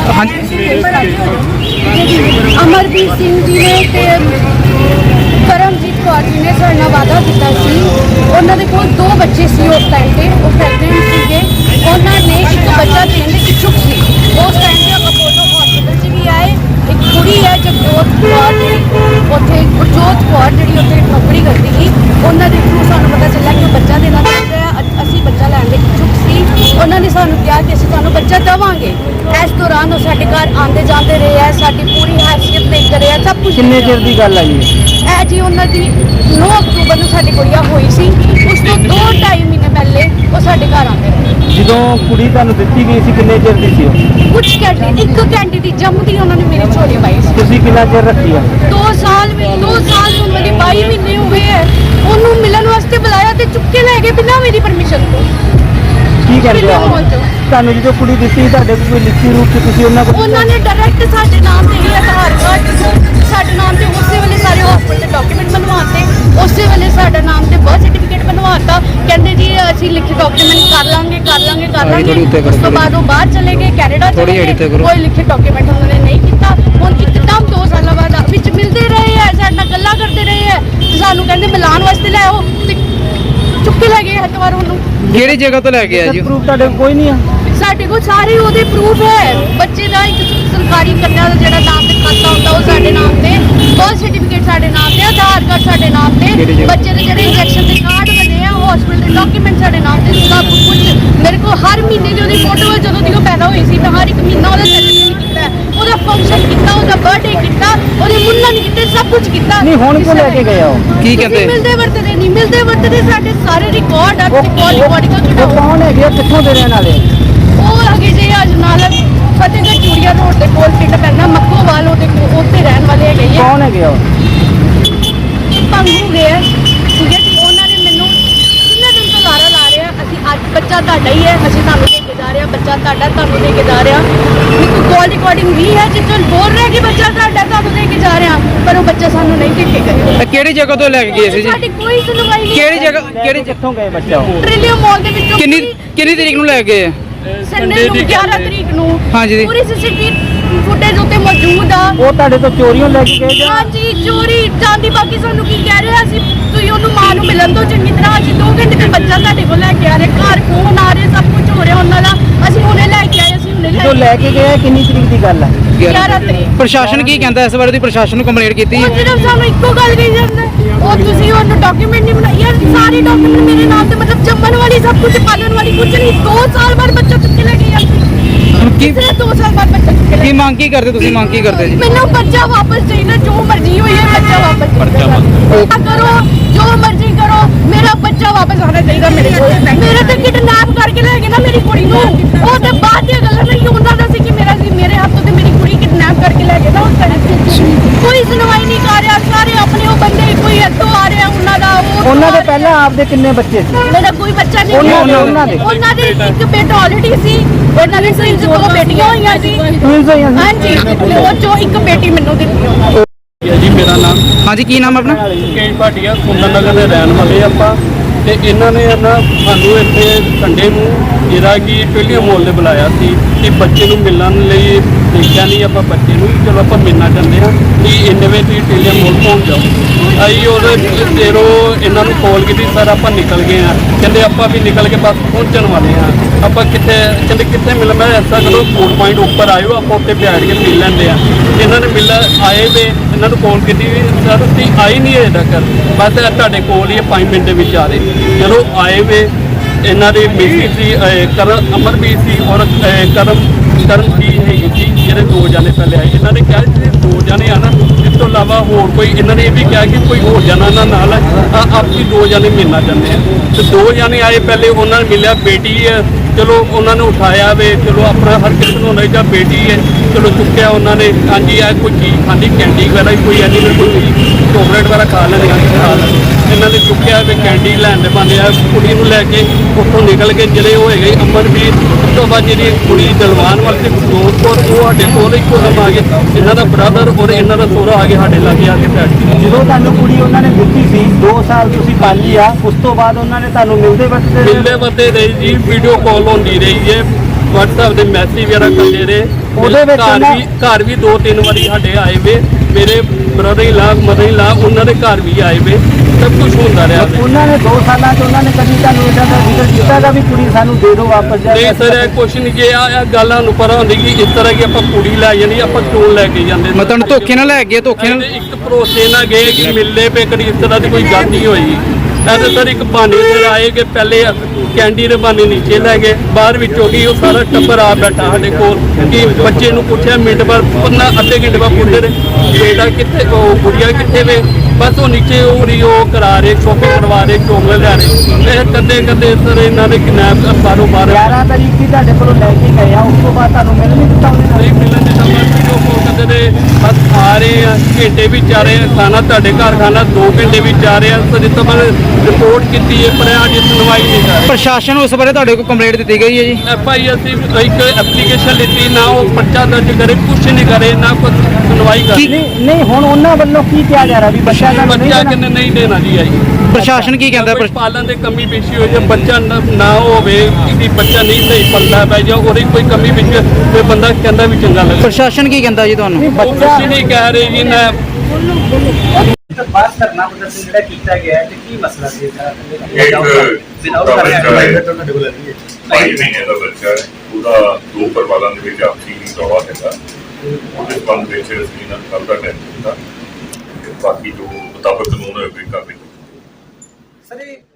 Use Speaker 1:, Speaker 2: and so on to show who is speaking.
Speaker 1: ਅਮਰਦੀਪ ਸਿੰਘ ਜੀ ਨੇ ਤੇ ਕਰਮਜੀਤ ਕੌਰ ਜੀ ਨੇ ਸਾਡੇ ਨਾਲ ਵਾਅਦਾ ਕੀਤਾ ਸੀ। ਉਹਨਾਂ ਦੇ ਕੋਲ 2 ਬੱਚੇ ਸੀ ਉਸ ਟਾਈਮ ਤੇ, ਉਹ ਪ੍ਰੈਗਨੈਂਟ ਸੀਗੇ। ਉਹਨਾਂ ਨੇ ਇੱਕ ਬੱਚਾ ਦੇਣ ਦੇ ਇਛੁਕ ਸੀ। ਉਸ ਟਾਈਮ ਤੇ ਅਪੋਲੋ ਹਸਪੀਟਲ 'ਚ ਵੀ ਆਏ। ਇੱਕ ਕੁੜੀ ਹੈ ਜਗਜੋਤ ਕੌਰ ਜਿਹੜੀ ਉੱਥੇ ਗੁਰਜੋਤ ਕੌਰ ਜਿਹੜੀ ਉੱਥੇ ਨੌਕਰੀ ਕਰਦੀ ਸੀ, ਉਹਨਾਂ ਦੇ ਥਰੂ ਸਾਨੂੰ ਪਤਾ ਚੱਲਿਆ ਕਿ ਉਹ ਬੱਚਾ ਦੇਣਾ ਚਾਹੁੰਦੇ ਆ। ਅਸੀਂ ਬੱਚਾ ਲੈਣ ਦੇ ਇਛੁਕ ਸੀ। ਉਹਨਾਂ ਨੇ ਸਾਨੂੰ ਕਿਹਾ ਕਿ ਅਸੀਂ ਤੁਹਾਨੂੰ ਬੱਚਾ ਦੇਵਾਂਗੇ। ਇਸ ਦੌਰਾਨ ਉਹ ਸਾਡੇ ਘਰ ਆਉਂਦੇ ਜਾਂਦੇ ਰਹੇ ਹੈ, ਸਾਡੀ ਪੂਰੀ ਹੈਸੀਅਤ ਦੇਖ ਰਹੇ ਆ, ਸਭ ਕੁਝ।
Speaker 2: ਕਿੰਨੇ ਚਿਰ ਦੀ ਗੱਲ ਹੈ ਜੀ
Speaker 1: ਇਹ ਜੀ ਉਹਨਾਂ ਦੀ 9 ਅਕਤੂਬਰ ਨੂੰ ਸਾਡੀ ਗੁੜੀਆ ਹੋਈ ਸੀ। ਉਸ ਤੋਂ 2-2.5 ਮਹੀਨੇ ਪਹਿਲੇ ਉਹ ਸਾਡੇ ਘਰ ਆਉਂਦੇ ਰਹੇ।
Speaker 2: ਜਦੋਂ ਕੁੜੀ ਤੁਹਾਨੂੰ ਦਿੱਤੀ ਗਈ ਸੀ ਕਿੰਨੇ ਚਿਰ ਦੀ ਸੀ ਉਹ?
Speaker 1: ਕੁਝ ਘੰਟੇ, 1 ਘੰਟੇ ਦੀ ਜੰਮਦੀ ਉਹਨਾਂ ਨੇ ਮੇਰੀ ਝੋਲੀ ਪਾਈ ਸੀ।
Speaker 2: ਤੁਸੀਂ ਕਿੰਨਾ ਚਿਰ ਰੱਖੀ ਆ?
Speaker 1: 2 ਸਾਲ ਨੂੰ ਮੇਰੀ 22 ਮਹੀਨੇ ਹੋ ਗਏ ਹੈ। ਉਹਨੂੰ ਮਿਲਣ ਵਾਸਤੇ ਬੁਲਾਇਆ ਤੇ ਚੁੱਕ ਕੇ ਲੈ ਗਏ ਬਿਨਾਂ ਮੇਰੀ ਪਰਮਿਸ਼ਨ ਤੋਂ।
Speaker 2: ਕੀ ਕਹਿੰਦੇ ਆ ਤੁਹਾਨੂੰ ਜਦੋਂ ਕੁੜੀ ਦਿੱਤੀ ਤੁਹਾਡੇ ਕੋਲ ਕੋਈ ਲਿਖਤੀ ਰੂਪ ਚ ਤੁਸੀਂ ਉਹਨਾਂ ਕੋਲ?
Speaker 1: ਉਹਨਾਂ ਨੇ ਡਾਇਰੈਕਟ ਸਾਡੇ ਨਾਮ ਤੇ ਹੀ ਆਧਾਰ ਕਾਰਡ ਸਾਡੇ ਨਾਮ ਤੇ ਉਸੇ ਵੇਲੇ ਸਾਰੇ ਹਸਪੀਟਲ ਦੇ ਡਾਕੂਮੈਂਟ ਬਣਵਾਤੇ। ਉਸੇ ਵੇਲੇ ਸਾਡਾ ਨਾਮ ਤੇ ਬਰਥ ਸਰਟੀਫਿਕੇਟ ਬਣਵਾਤਾ। ਕਹਿੰਦੇ ਜੀ ਅਸੀਂ ਲਿਖੇ ਡਾਕੂਮੈਂਟ ਕਰ ਲਾਂਗੇ। ਉਸ ਤੋਂ ਬਾਅਦ ਉਹ ਬਾਹਰ ਚਲੇ ਗਏ, ਕੈਨੇਡਾ ਚਲੇ ਗਏ। ਕੋਈ ਲਿਖੇ ਡਾਕੂਮੈਂਟ ਉਹਨਾਂ ਨੇ ਨਹੀਂ ਕੀਤਾ। ਹੁਣ ਇੱਕਦਮ 2 ਸਾਲਾਂ ਬਾਅਦ ਵਿੱਚ ਮਿਲਦੇ ਰਹੇ ਹੈ, ਸਾਡੇ ਨਾਲ ਗੱਲਾਂ ਕਰਦੇ ਰਹੇ ਹੈ। ਸਾਨੂੰ ਕਹਿੰਦੇ ਮਿਲਾਉਣ ਵਾਸਤੇ ਲੈ ਆਓ ਤੇ ਚੁੱਕ ਕੇ ਲੈ ਗਏ ਐਤਵਾਰ ਉਹਨੂੰ।
Speaker 3: ਕਿਹੜੀ ਜਗ੍ਹਾ ਤੋਂ ਲੈ ਕੇ ਆਇਆ ਜੀ?
Speaker 2: ਪ੍ਰੂਫ ਤੁਹਾਡੇ ਕੋਲ ਕੋਈ ਨਹੀਂ ਆ?
Speaker 1: ਸਾਡੇ ਕੋਲ ਸਾਰੇ ਉਹਦੇ ਪ੍ਰੂਫ ਹੈ। ਬੱਚੇ ਦਾ ਇੱਕ ਸਰਕਾਰੀ ਕੰਨਿਆ ਦਾ ਜਿਹੜਾ ਨਾਮ ਤੇ ਖਾਤਾ ਹੁੰਦਾ ਉਹ ਸਾਡੇ ਨਾਮ ਤੇ, ਬਰਥ ਸਰਟੀਫਿਕੇਟ ਸਾਡੇ ਨਾਮ ਤੇ, ਆਧਾਰ ਕਾਰਡ ਸਾਡੇ ਨਾਮ ਤੇ, ਬੱਚੇ ਦੇ ਜਿਹੜੇ ਇੰਜੈਕਸ਼ਨ ਦੇ ਕਾਰਡ ਬਣੇ ਆ ਹਸਪੀਟਲ ਦੇ ਡਾਕੂਮੈਂਟ ਸਾਡੇ ਨਾਮ ਤੇ, ਸਭ ਕੁਝ। ਮੇਰੇ ਕੋਲ ਹਰ ਮਹੀਨੇ ਦੀ ਉਹਦੀ ਫੋਟੋ ਹੈ ਜਦੋਂ ਦੀ ਉਹ ਪੈਦਾ ਹੋਈ ਸੀ। ਮੈਂ ਹਰ ਇੱਕ ਮਹੀਨਾ ਉਹਦਾ ਸੈਲੀਬ੍ਰੇਟ ਕੀਤਾ, ਉਹਦਾ ਫੰਕਸ਼ਨ ਕੀਤਾ, ਉਹਦਾ ਬਰਥਡੇ ਕੀਤਾ, ਉਹਦੇ ਮੁੰਨਨ ਕੀਤੇ, ਸਭ ਕੁਝ ਕੀਤਾ।
Speaker 2: ਨਹੀਂ ਹੁਣ ਕਿਉਂ ਲੈ ਕੇ ਗਏ ਹੋ?
Speaker 3: ਕੀ ਕਹਿੰਦੇ?
Speaker 1: ਮਿਲਦੇ ਵਰਤਦੇ ਸਾਡੇ ਸਾਰੇ ਰਿਕਾਰਡ ਆ ਤੇ ਰਿਕਾਰਡਿੰਗ
Speaker 2: ਉਹ ਕੌਣ ਹੈਗੇ ਆ, ਕਿੱਥੋਂ ਦੇ ਰਹਿਣ ਵਾਲੇ?
Speaker 1: ਉਹ ਹੈਗੇ ਜੇ ਅਜਨਾਲਾ ਫਤਿਹਗੜ੍ਹ ਚੂੜੀਆ ਰੋਡ ਦੇ ਕੋਲ ਪਿੰਡ ਪੈਂਦਾ ਮੱਕੋਵਾਲ, ਉਹਦੇ ਉੱਥੇ ਰਹਿਣ ਵਾਲੇ ਹੈਗੇ ਆ।
Speaker 2: ਕੌਣ ਹੈਗੇ ਆ?
Speaker 1: ਪੰਗੂ ਗਏ ਠੀਕ ਹੈ ਜੀ। ਉਹਨਾਂ ਨੇ ਮੈਨੂੰ ਕਿੰਨੇ ਦਿਨ ਤੋਂ ਲਾਰਾ ਲਾ ਰਿਹਾ ਅਸੀਂ ਅੱਜ ਬੱਚਾ ਤੁਹਾਡਾ ਹੀ ਹੈ, ਅਸੀਂ ਤੁਹਾਨੂੰ ਦੇ ਕੇ ਜਾ ਰਹੇ ਹਾਂ, ਬੱਚਾ ਤੁਹਾਡਾ ਤੁਹਾਨੂੰ ਦੇ ਕੇ ਜਾ ਰਹੇ ਹਾਂ। ਇੱਕ ਕਾਲ ਰਿਕਾਰਡਿੰਗ ਵੀ ਹੈ ਜਿੱਥੇ ਬੋਲ ਰਿਹਾ ਕਿ ਬੱਚਾ ਤੁਹਾਡਾ ਤੁਹਾਨੂੰ ਦੇ ਕੇ ਜਾ ਰਹੇ ਹਾਂ, ਪਰ ਉਹ ਬੱਚਾ ਸਾਨੂੰ ਨਹੀਂ ਦੇ ਕੇ ਗਏ।
Speaker 3: ਕਿਹੜੀ ਜਗ੍ਹਾ ਤੋਂ ਲੈ ਕੇ ਗਏ ਸੀ ਜੀ?
Speaker 1: ਸਾਡੀ ਕੋਈ ਸੁਣਵਾਈ ਨਹੀਂ।
Speaker 3: ਕਿਹੜੀ ਜਗ੍ਹਾ
Speaker 2: ਕਿੱਥੋਂ ਗਏ ਬੱਚਾ ਉਹ?
Speaker 1: ਟ੍ਰਿਲੀਅਮ ਮਾਲ ਦੇ ਵਿੱਚੋਂ।
Speaker 3: ਕਿੰਨੀ ਤਰੀਕ ਨੂੰ ਲੈ ਗਏ?
Speaker 1: ਸੰਡੇ ਨੂੰ 11 ਤਰੀਕ ਨੂੰ।
Speaker 3: ਹਾਂਜੀ।
Speaker 1: ਪੂਰੀ ਸੀਸੀਟੀਵੀ ਫੁਟੇਜ ਉੱਤੇ ਮੌਜੂਦ ਆ।
Speaker 2: ਉਹ ਤੁਹਾਡੇ ਤੋਂ ਚੋਰੀਆਂ ਲੈ ਕੇ ਗਏ ਜਾਂ?
Speaker 1: ਹਾਂਜੀ ਚੋਰੀ ਚਾਂਦੀ। ਬਾਕੀ ਸਾਨੂੰ ਕੀ ਕਹਿ ਰਹੇ ਅਸੀਂ ਤੁਸੀਂ ਉਹਨੂੰ ਮਾਂ ਨੂੰ ਮਿਲਣ ਤੋਂ ਚੰਗੀ ਤਰ੍ਹਾਂ। ਅਸੀਂ 2 ਘੰਟੇ ਤੇ ਬੱਚਾ ਤੁਹਾਡੇ ਕੋਲ ਲੈ ਕੇ ਆ ਰਹੇ, ਘਰ ਫੋਨ ਆ ਰਹੇ, ਸਭ ਕੁਝ ਹੋ ਰਿਹਾ ਉਹਨਾਂ ਦਾ। ਅਸੀਂ ਹੁਣੇ ਲੈ ਕੇ ਆਏ, ਅਸੀਂ ਹੁਣੇ
Speaker 2: ਜਦੋਂ ਲੈ ਕੇ ਗਏ ਕਿੰਨੀ ਤਰੀਕ ਦੀ ਗੱਲ ਹੈ?
Speaker 1: 11 ਤਰੀਕ।
Speaker 3: ਪ੍ਰਸ਼ਾਸਨ ਕੀ ਕਹਿੰਦਾ ਇਸ ਬਾਰੇ? ਦੀ ਪ੍ਰਸ਼ਾਸਨ ਨੂੰ ਕੰਪਲੇਂਟ ਕੀਤੀ?
Speaker 1: ਉਹ ਸਿਰਫ ਸਾਨੂੰ ਇੱਕੋ ਗੱਲ ਕਹੀ ਜਾਂਦਾ ਉਹ ਤੁਸੀਂ ਉਹਨੂੰ ਡਾਕੂਮੈਂਟ ਨਹੀਂ ਬਣਾਈ। ਯਾਰ ਸਾਰੇ ਡਾਕੂਮੈਂਟ ਮੇਰੇ ਨਾਮ ਤੇ, ਮਤਲਬ ਜੰਮਣ ਵਾਲੀ ਸਭ ਕੁਝ, ਪਾਲਣ ਵਾਲੀ ਕੁਝ ਨਹੀਂ। 2 ਸਾਲ ਬਾਅਦ ਬੱਚਾ ਚੁੱਕ ਕੇ ਲੈ ਗਏ ਅਸੀਂ।
Speaker 3: ਕੀ
Speaker 1: 2 ਸਾਲ ਬਾਅਦ ਬੱਚਾ ਚੁੱਕ ਕੇ ਲੈ
Speaker 3: ਕੀ ਮੰਗ ਕੀ ਕਰਦੇ ਤੁਸੀਂ? ਮੰਗ ਕੀ ਕਰਦੇ ਜੀ?
Speaker 1: ਮੈਨੂੰ ਬੱਚਾ ਵਾਪਸ ਚਾਹੀਦਾ, ਜੋ ਮਰਜ਼ੀ ਹੋਈ ਹੈ ਬੱਚਾ ਵਾਪਸ ਕਰੋ, ਜੋ ਮਰਜ਼ੀ ਕਰੋ, ਮੇਰਾ ਬੱਚਾ ਵਾਪਸ ਆਉਣਾ ਚਾਹੀਦਾ ਮੇਰੇ ਕੋਲ। ਮੇਰੇ ਤੇ ਕਿਡਨੈਪ ਕਰਕੇ ਲੈ ਗਏ ਨਾ ਮੇਰੀ ਕੁੜੀ ਨੂੰ। ਉਹ ਤੇ ਬਾਅਦ ਦੀਆਂ ਗੱਲਾਂ ਨਹੀਂ, ਉਹਨਾਂ ਦਾ ਸੀ ਕਿ ਮੇਰਾ ਸੀ, ਮੇਰੇ ਹੱਥੋਂ ਤੇ ਮੇਰੀ ਕੁੜੀ ਕਿਡਨੈਪ ਕਰਕੇ ਲੈ ਗਏ ਨਾ ਉਸ ਟਾਈਮ। ਕੋਈ ਸੁਣਵਾਈ ਨਹੀਂ ਕਰ ਰਿਹਾ। ਸਾਰੇ ਆਪਣੇ ਉਹ ਬੰਦੇ ਕੋਈ ਇੱਥੋਂ ਆ ਰਿਹਾ ਉਹਨਾਂ ਦਾ।
Speaker 2: ਉਹਨਾਂ ਦੇ ਪਹਿਲਾਂ ਆਪਦੇ ਕਿੰਨੇ ਬੱਚੇ ਸੀ?
Speaker 1: ਮੇਰਾ ਕੋਈ ਬੱਚਾ ਨਹੀਂ। ਉਹਨਾਂ ਦੇ ਇੱਕ ਬੇਟਾ ਆਲਰੇਡੀ ਸੀ। ਉਹਨਾਂ ਦੇ ਸਿਰ 2 ਬੇਟੀਆਂ ਹੋਈਆਂ ਸੀ। ਹਾਂਜੀ, ਉਹ ਚੋਂ ਇੱਕ ਬੇਟੀ ਮੈਨੂੰ ਦਿੱਤੀ ਉਹਨਾਂ ਨੇ।
Speaker 4: ਜੀ ਮੇਰਾ ਨਾਮ
Speaker 3: ਹਾਂਜੀ, ਕੀ ਨਾਮ ਆਪਣਾ?
Speaker 4: ਕੇਸ਼ ਭਾਟੀਆ, ਸੁੰਦਰ ਨਗਰ ਦੇ ਰਹਿਣ ਵਾਲੇ ਆਪਾਂ। ਤੇ ਇਹਨਾਂ ਨੇ ਸਾਨੂੰ ਇੱਥੇ ਸੰਡੇ ਨੂੰ ਜਿਹੜਾ ਕਿ ਟ੍ਰਿਲੀਅਮ ਮਾਲ ਦੇ ਬੁਲਾਇਆ ਸੀ ਕਿ ਬੱਚੇ ਨੂੰ ਮਿਲਣ ਲਈ। ਦੇਖਿਆ ਨਹੀਂ ਆਪਾਂ ਬੱਚੇ ਨੂੰ, ਚਲੋ ਆਪਾਂ ਮਿਲਣਾ ਚਾਹੁੰਦੇ ਹਾਂ ਕਿ ਇੰਨੇ ਵਜੇ ਤੁਸੀਂ ਟ੍ਰਿਲੀਅਮ ਮਾਲ ਪਹੁੰਚ ਜਾਓ। ਅਸੀਂ ਉਹਦੇ ਦੇਰੋਂ ਇਹਨਾਂ ਨੂੰ ਕਾਲ ਕੀਤੀ, ਸਰ ਆਪਾਂ ਨਿਕਲ ਗਏ ਹਾਂ। ਕਹਿੰਦੇ ਆਪਾਂ ਵੀ ਨਿਕਲ ਕੇ ਬਸ ਪਹੁੰਚਣ ਵਾਲੇ ਹਾਂ। ਆਪਾਂ ਕਹਿੰਦੇ ਕਿੱਥੇ ਮਿਲ? ਮੈਂ ਐਸਾ ਕਰੋ ਫੂਡ ਪੁਆਇੰਟ ਉੱਪਰ ਆਇਓ, ਆਪਾਂ ਉੱਥੇ ਬੈਠ ਕੇ ਮਿਲ ਲੈਂਦੇ ਹਾਂ। ਇਹਨਾਂ ਨੇ ਆਏ ਵੇ, ਇਹਨਾਂ ਨੂੰ ਕਾਲ ਕੀਤੀ ਵੀ ਸਰ ਤੁਸੀਂ ਆਈ ਨਹੀਂ ਅਜੇ ਤੱਕ, ਬਸ ਤੁਹਾਡੇ ਕੋਲ ਹੀ 5 ਮਿੰਟ ਦੇ ਵਿੱਚ ਆ ਰਹੇ। ਚਲੋ ਆਏ ਵੇ। ਇਹਨਾਂ ਦੇ ਮਿਸੀ ਸੀ ਅਮਰਬੀਰ ਸੀ ਔਰ ਕਰਮ ਕੀ ਹੈਗੀ ਸੀ, ਜਿਹੜੇ 2 ਜਾਣੇ ਪਹਿਲੇ ਆਏ। ਇਹਨਾਂ ਨੇ ਕਿਹਾ ਜਿਹੜੇ 2 ਜਾਣੇ ਆ ਨਾ, ਇਸ ਤੋਂ ਇਲਾਵਾ ਹੋਰ ਕੋਈ, ਇਹਨਾਂ ਨੇ ਇਹ ਵੀ ਕਿਹਾ ਕਿ ਕੋਈ ਹੋਰ ਜਾਣਾ ਇਹਨਾਂ ਨਾਲ ਆਪਸੀ 2 ਜਾਣੇ ਮਿਲਣਾ ਚਾਹੁੰਦੇ ਆ। ਤੇ 2 ਜਾਣੇ ਆਏ ਪਹਿਲੇ, ਉਹਨਾਂ ਨੇ ਮਿਲਿਆ ਬੇਟੀ ਹੈ। ਚਲੋ ਉਹਨਾਂ ਨੂੰ ਉਠਾਇਆ ਵੇ, ਚਲੋ ਆਪਣਾ ਹਰ ਕਿਸੇ ਨੂੰ ਹੁੰਦਾ ਜਾਂ ਬੇਟੀ ਹੈ, ਚਲੋ ਚੁੱਕਿਆ ਉਹਨਾਂ ਨੇ। ਹਾਂਜੀ ਆ ਕੋਈ ਚੀਜ਼ ਖਾਂਦੀ, ਕੈਂਡੀ ਵਗੈਰਾ ਕੋਈ ਐਨੀ ਕੋਈ ਚੋਕਲੇਟ ਵਗੈਰਾ ਖਾ ਲੈਂਦੇ ਖਾ ਲੈਂਦੇ। ਇਹਨਾਂ ਨੇ ਚੁੱਕਿਆ ਵੇ, ਕੈਂਡੀ ਲੈਣ ਦੇ ਬੰਦੇ ਆ। ਕੁੜੀ ਨੂੰ ਲੈ ਕੇ ਉੱਥੋਂ ਨਿਕਲ ਕੇ ਜਿਹੜੇ ਉਹ ਹੈਗੇ ਅਮਰਵੀਰ। ਉਸ ਤੋਂ ਬਾਅਦ ਜਿਹੜੀ ਕੁੜੀ ਦਲਵਾਨ ਵਾਲੀ ਤੇ ਦੋਸਤ, ਉਹ ਸਾਡੇ ਕੋਲ ਇੱਕੋ ਦਮ ਆ ਗਏ। ਇਹਨਾਂ ਦਾ ਬ੍ਰਦਰ ਔਰ ਇਹਨਾਂ ਦਾ ਸਹੁਰਾ ਆ ਕੇ ਸਾਡੇ ਲਾਗੇ ਆ ਕੇ ਬੈਠ ਗਏ।
Speaker 2: ਜਦੋਂ ਤੁਹਾਨੂੰ ਕੁੜੀ ਉਹਨਾਂ ਨੇ ਦਿੱਤੀ ਸੀ 2 ਸਾਲ ਤੁਸੀਂ ਪਾਲੀ ਆ, ਉਸ ਤੋਂ ਬਾਅਦ ਉਹਨਾਂ ਨੇ ਤੁਹਾਨੂੰ ਮਿਲਦੇ ਵਰਤਦੇ
Speaker 4: ਰਹੀ ਜੀ, ਵੀਡੀਓ ਕਾਲ ਹੁੰਦੀ ਰਹੀ ਹੈ। WhatsApp ਦੇ ਮੈਸੇਜ ਵਗੈਰਾ ਕਰਦੇ ਰਹੇ।
Speaker 2: ਉਹਦੇ ਵਿੱਚ
Speaker 4: ਘਰ ਵੀ 2-3 ਵਾਰੀ ਸਾਡੇ ਆਏ ਵੇ, ਮੇਰੇ ਬ੍ਰਦਰ ਇਨ ਲਾ, ਮਦਰ ਇਨ ਲਾ, ਉਹਨਾਂ ਦੇ ਘਰ ਵੀ ਆਏ ਵੇ, ਸਭ ਕੁਝ ਹੁੰਦਾ ਰਿਹਾ ਵੇ।
Speaker 2: ਉਹਨਾਂ ਨੇ 2 ਸਾਲਾਂ 'ਚ ਉਹਨਾਂ ਨੇ ਕਦੀ ਤੁਹਾਨੂੰ ਇਹਦਾ ਦਾ ਜ਼ਿਕਰ ਕੀਤਾ ਗਾ ਵੀ ਕੁੜੀ ਸਾਨੂੰ ਦੇ ਦਿਓ ਵਾਪਸ ਜਾ
Speaker 4: ਨਹੀਂ ਸਰ, ਇਹ ਕੁਛ ਨਹੀਂ। ਜੇ ਆ ਗੱਲਾਂ ਨੂੰ ਪਰਾਂ ਹੁੰਦੀ ਕਿ ਇਸ ਤਰ੍ਹਾਂ ਕਿ ਆਪਾਂ ਕੁੜੀ ਲੈ ਜਾਣੀ, ਆਪਾਂ ਕਿਉਂ ਲੈ ਕੇ ਜਾਂਦੇ?
Speaker 3: ਮੈਂ ਤੁਹਾਨੂੰ ਧੋਖੇ ਨਾਲ ਲੈ ਗਿਆ, ਧੋਖੇ ਨਾਲ।
Speaker 4: ਇੱਕ ਭਰੋਸੇ ਨਾਲ ਗਏ ਕਿ ਮਿਲਦੇ ਪਏ, ਕਦੀ ਇਸ ਤਰ੍ਹਾਂ ਦੀ ਕੋਈ ਗੱਲ ਨਹੀਂ ਹੋਈ। ਐਸੇ ਸਰ ਇੱਕ ਬਹਾਨੇ ਸਿਰ ਆਏ ਕਿ ਪਹਿਲੇ ਕੈਂਡੀ ਦੇ ਬਹਾਨੇ ਨੀਚੇ ਲੈ ਗਏ, ਬਾਹਰ ਵਿੱਚੋਂ ਕੀ ਉਹ ਸਾਰਾ ਟੱਬਰ ਆ ਬੈਠਾ ਸਾਡੇ ਕੋਲ ਕਿ ਬੱਚੇ ਨੂੰ ਪੁੱਛਿਆ ਮਿੰਟ ਬਾਅਦ, ਅੱਧੇ ਘੰਟੇ ਬਾਅਦ ਪੁੱਛਦੇ ਰਹੇ ਬੇਟਾ ਕਿੱਥੇ, ਉਹ ਗੁੜੀਆ ਕਿੱਥੇ ਵੇ? ਬਸ ਉਹ ਨੀਚੇ ਉਹ ਕਰਾ ਰਹੇ, ਸ਼ੋਪਿੰਗ ਕਰਵਾ ਰਹੇ, ਚੋਂਗਲ ਲੈ ਰਹੇ। ਇਹ ਕਦੇ ਸਰ ਇਹਨਾਂ ਨੇ ਕਿਡਨੈਪ ਬਾਹਰੋਂ ਬਾਹਰ
Speaker 2: 11 ਤਰੀਕ ਦੀ ਤੁਹਾਡੇ ਕੋਲੋਂ ਲੈ ਕੇ ਗਏ ਆ, ਉਸ ਤੋਂ ਬਾਅਦ ਤੁਹਾਨੂੰ ਮਿਲ ਨਹੀਂ ਦਿੱਤਾ ਉਹਨੇ ਨਾਲ?
Speaker 4: ਨਹੀਂ ਮਿਲਣ ਦੇ ਨੰਬਰ ਵੀਡੀਓ ਕਾਲ ਕਰਦੇ ਨੇ, ਬਸ ਆ ਰਹੇ ਆ, ਘੰਟੇ ਵਿੱਚ ਆ ਰਹੇ ਆ, ਖਾਣਾ ਤੁਹਾਡੇ ਘਰ ਖਾਣਾ 2 ਘੰਟੇ ਵਿੱਚ ਆ ਰਹੇ ਆ। ਸਰ ਜਿੱਥੇ ਮੈਂ ਰਿਪੋਰਟ ਕੀਤੀ ਹੈ, ਪਰ ਅੱਜ ਸੁਣਵਾਈ ਨਹੀਂ ਕਰ ਰਹੇ।
Speaker 3: ਪ੍ਰਸ਼ਾਸਨ ਉਸ ਬਾਰੇ ਤੁਹਾਡੇ ਕੋਲ ਕੰਪਲੇਂਟ ਦਿੱਤੀ ਗਈ ਹੈ ਜੀ?
Speaker 4: FI ਅਸੀਂ ਇੱਕ ਐਪਲੀਕੇਸ਼ਨ ਲਿੱਤੀ, ਨਾ ਉਹ ਪਰਚਾ ਦਰਜ ਕਰੇ, ਕੁਛ ਨਹੀਂ ਕਰੇ, ਨਾ ਕੁਛ ਸੁਣਵਾਈ ਕਰੇ।
Speaker 2: ਨਹੀਂ ਹੁਣ ਉਹਨਾਂ ਵੱਲੋਂ ਕੀ ਕਿਹਾ ਜਾ ਰਿਹਾ ਵੀ ਬੱਚਾ ਤੁਹਾਨੂੰ ਨਹੀਂ
Speaker 4: ਬੱਚਾ
Speaker 2: ਦੇਣਾ?
Speaker 4: ਕਿੰਨੇ ਨਹੀਂ ਦੇਣਾ ਜੀ ਆਈ।
Speaker 3: ਪ੍ਰਸ਼ਾਸਨ ਕੀ ਕਹਿੰਦਾ?
Speaker 4: ਕੋਈ ਪਾਲਣ ਦੇ ਕਮੀ ਪੇਸ਼ੀ ਹੋਈ, ਜੇ ਬੱਚਾ ਨਾ ਹੋਵੇ, ਕਿਸੇ ਬੱਚਾ ਨਹੀਂ ਸਹੀ ਪਲਦਾ ਪੈ ਜਾ, ਉਹਦੀ ਕੋਈ ਕਮੀ ਵਿੱਚ ਕੋਈ ਬੰਦਾ ਕਹਿੰਦਾ ਵੀ ਚੰਗਾ ਲੱਗਦਾ।
Speaker 3: ਪ੍ਰਸ਼ਾਸਨ ਕੀ ਕਹਿੰਦਾ ਜੀ ਤੁਹਾਨੂੰ?
Speaker 2: ਨਹੀਂ,
Speaker 4: ਉਹ ਕੁਛ ਨਹੀਂ ਕਹਿ ਰਹੇ ਜੀ। ਨਾ
Speaker 2: ਬਾਤ ਕਰਨਾ ਪ੍ਰਦਰਸ਼ਨ ਜਿਹੜਾ ਕੀਤਾ ਗਿਆ ਹੈ ਤੇ ਕੀ ਮਸਲਾ ਸੀ ਇਹਦਾ?
Speaker 5: ਇੱਕ ਛੋਟਾ ਬੱਚਾ ਹੈ, 22 ਮਹੀਨੇ ਦਾ ਬੱਚਾ ਹੈ, ਉਹਦਾ 2 ਪਰਿਵਾਰਾਂ ਦੇ ਵਿੱਚ ਆਪਸੀ ਦੌੜਾ ਹੈਗਾ। ਉਹਦੇ ਸੰਬੰਧ ਵਿੱਚ ਅਸੀਂ ਨਾਲ ਕੱਲ੍ਹ ਦਾ ਟਾਈਮ ਦਿੱਤਾ, ਬਾਕੀ ਜੋ ਮੁਤਾਬਕ ਕਾਨੂੰਨ ਹੋਵੇ ਕਾਰਵਾਈ।
Speaker 2: ਸਰ ਇਹ